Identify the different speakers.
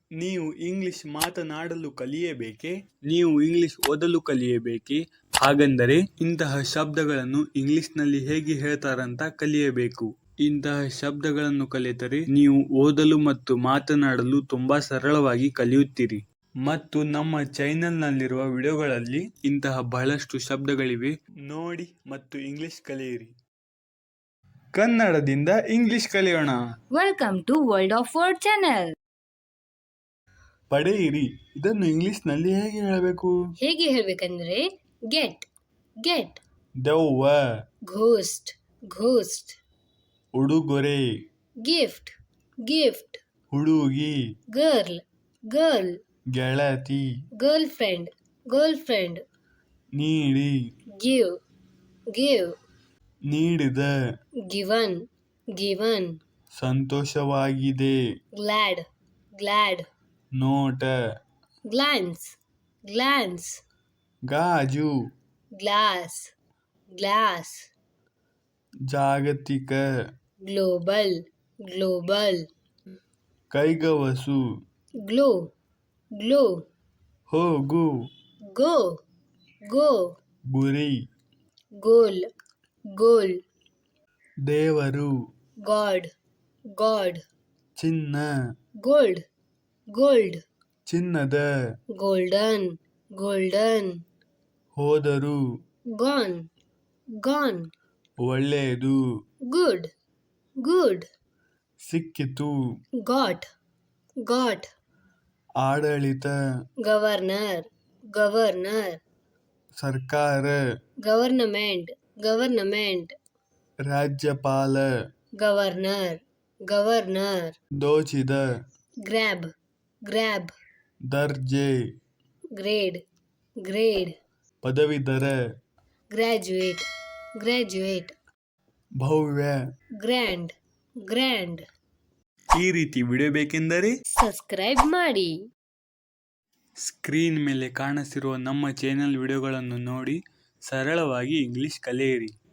Speaker 1: ನೀವು ಇಂಗ್ಲಿಷ್ ಮಾತನಾಡಲು ಕಲಿಯಬೇಕೇ? ನೀವು ಇಂಗ್ಲಿಷ್ ಓದಲು ಕಲಿಯಬೇಕೇ? ಹಾಗಂದರೆ ಇಂತಹ ಶಬ್ದಗಳನ್ನು ಇಂಗ್ಲಿಷ್ನಲ್ಲಿ ಹೇಗೆ ಹೇಳ್ತಾರಂತ ಕಲಿಯಬೇಕು. ಇಂತಹ ಶಬ್ದಗಳನ್ನು ಕಲಿತರೆ ನೀವು ಓದಲು ಮತ್ತು ಮಾತನಾಡಲು ತುಂಬಾ ಸರಳವಾಗಿ ಕಲಿಯುತ್ತೀರಿ. ಮತ್ತು ನಮ್ಮ ಚಾನೆಲ್ನಲ್ಲಿರುವ ವಿಡಿಯೋಗಳಲ್ಲಿ ಇಂತಹ ಬಹಳಷ್ಟು ಶಬ್ದಗಳಿವೆ, ನೋಡಿ ಮತ್ತು ಇಂಗ್ಲಿಷ್ ಕಲಿಯಿರಿ. ಕನ್ನಡದಿಂದ ಇಂಗ್ಲಿಷ್ ಕಲಿಯೋಣ.
Speaker 2: Welcome to world of word channel.
Speaker 1: ಪಡೆಯಿರಿ ಇದನ್ನು ಇಂಗ್ಲಿಷ್ನಲ್ಲಿ ಹೇಗೆ ಹೇಳಬೇಕು?
Speaker 2: ಹೇಗೆ ಹೇಳಬೇಕಂದ್ರೆ ಗೆಟ್ ಗೆಟ್,
Speaker 1: ದೆವ್ವ,
Speaker 2: ಘೋಸ್ಟ್ ಘೋಸ್ಟ್,
Speaker 1: ಉಡುಗೊರೆ,
Speaker 2: ಗಿಫ್ಟ್ ಗಿಫ್ಟ್,
Speaker 1: ಹುಡುಗಿ,
Speaker 2: ಗರ್ಲ್ ಗರ್ಲ್,
Speaker 1: ಗೆಳತಿ,
Speaker 2: ಗರ್ಲ್ ಫ್ರೆಂಡ್ ಗರ್ಲ್ ಫ್ರೆಂಡ್,
Speaker 1: ನೀಡಿ,
Speaker 2: ಗಿವ್ ಗಿವ್,
Speaker 1: ನೀಡಿದ,
Speaker 2: ಗಿವನ್ ಗಿವನ್,
Speaker 1: ಸಂತೋಷವಾಗಿದೆ,
Speaker 2: ಗ್ಲಾಡ್ ಗ್ಲಾಡ್,
Speaker 1: ನೋಟ,
Speaker 2: ಗ್ಲಾನ್ಸ್ ಗ್ಲಾನ್ಸ್,
Speaker 1: ಗಾಜು,
Speaker 2: ಗ್ಲಾಸ್ ಗ್ಲಾಸ್,
Speaker 1: ಜಾಗತಿಕ,
Speaker 2: ಗ್ಲೋಬಲ್ ಗ್ಲೋಬಲ್,
Speaker 1: ಕೈಗವಸು,
Speaker 2: ಗ್ಲೋ ಗ್ಲೋ,
Speaker 1: ಹೋಗು,
Speaker 2: ಗೋ ಗೋ,
Speaker 1: ಗುರಿ,
Speaker 2: ಗೋಲ್ ಗೋಲ್,
Speaker 1: ದೇವರು,
Speaker 2: ಗಾಡ್ ಗಾಡ್,
Speaker 1: ಚಿನ್ನ,
Speaker 2: ಗೋಲ್ಡ್ ಗೋಲ್ಡ್,
Speaker 1: ಚಿನ್ನದ,
Speaker 2: ಗೋಲ್ಡನ್ ಗೋಲ್ಡನ್,
Speaker 1: ಹೋದರು,
Speaker 2: ಗಾನ್ ಗಾನ್,
Speaker 1: ಒಳ್ಳೆಯದು,
Speaker 2: ಗುಡ್ ಗುಡ್,
Speaker 1: ಸಿಕ್ಕಿತು,
Speaker 2: ಗಾಟ್ ಗಾಟ್,
Speaker 1: ಆಡಳಿತ,
Speaker 2: ಗವರ್ನರ್ ಗವರ್ನರ್,
Speaker 1: ಸರ್ಕಾರ,
Speaker 2: ಗವರ್ನಮೆಂಟ್ ಗವರ್ನಮೆಂಟ್,
Speaker 1: ರಾಜ್ಯಪಾಲ,
Speaker 2: ಗವರ್ನರ್ ಗವರ್ನರ್,
Speaker 1: ದೋಚಿದ,
Speaker 2: ಗ್ರ್ಯಾಬ್ ಗ್ರ್ಯಾಬ್,
Speaker 1: ದರ್ಜೆ,
Speaker 2: ಗ್ರೇಡ್ ಗ್ರೇಡ್,
Speaker 1: ಪದವೀಧರ,
Speaker 2: ಗ್ರ್ಯಾಜುಯೇಟ್ ಗ್ರ್ಯಾಜುಯೇಟ್,
Speaker 1: ಭವ್ಯ,
Speaker 2: ಗ್ರ್ಯಾಂಡ್ ಗ್ರ್ಯಾಂಡ್.
Speaker 1: ಈ ರೀತಿ ವಿಡಿಯೋ ಬೇಕೆಂದರೆ
Speaker 2: ಸಬ್ಸ್ಕ್ರೈಬ್ ಮಾಡಿ.
Speaker 1: ಸ್ಕ್ರೀನ್ ಮೇಲೆ ಕಾಣಿಸಿರುವ ನಮ್ಮ ಚಾನೆಲ್ ವಿಡಿಯೋಗಳನ್ನು ನೋಡಿ ಸರಳವಾಗಿ ಇಂಗ್ಲಿಷ್ ಕಲಿಯಿರಿ.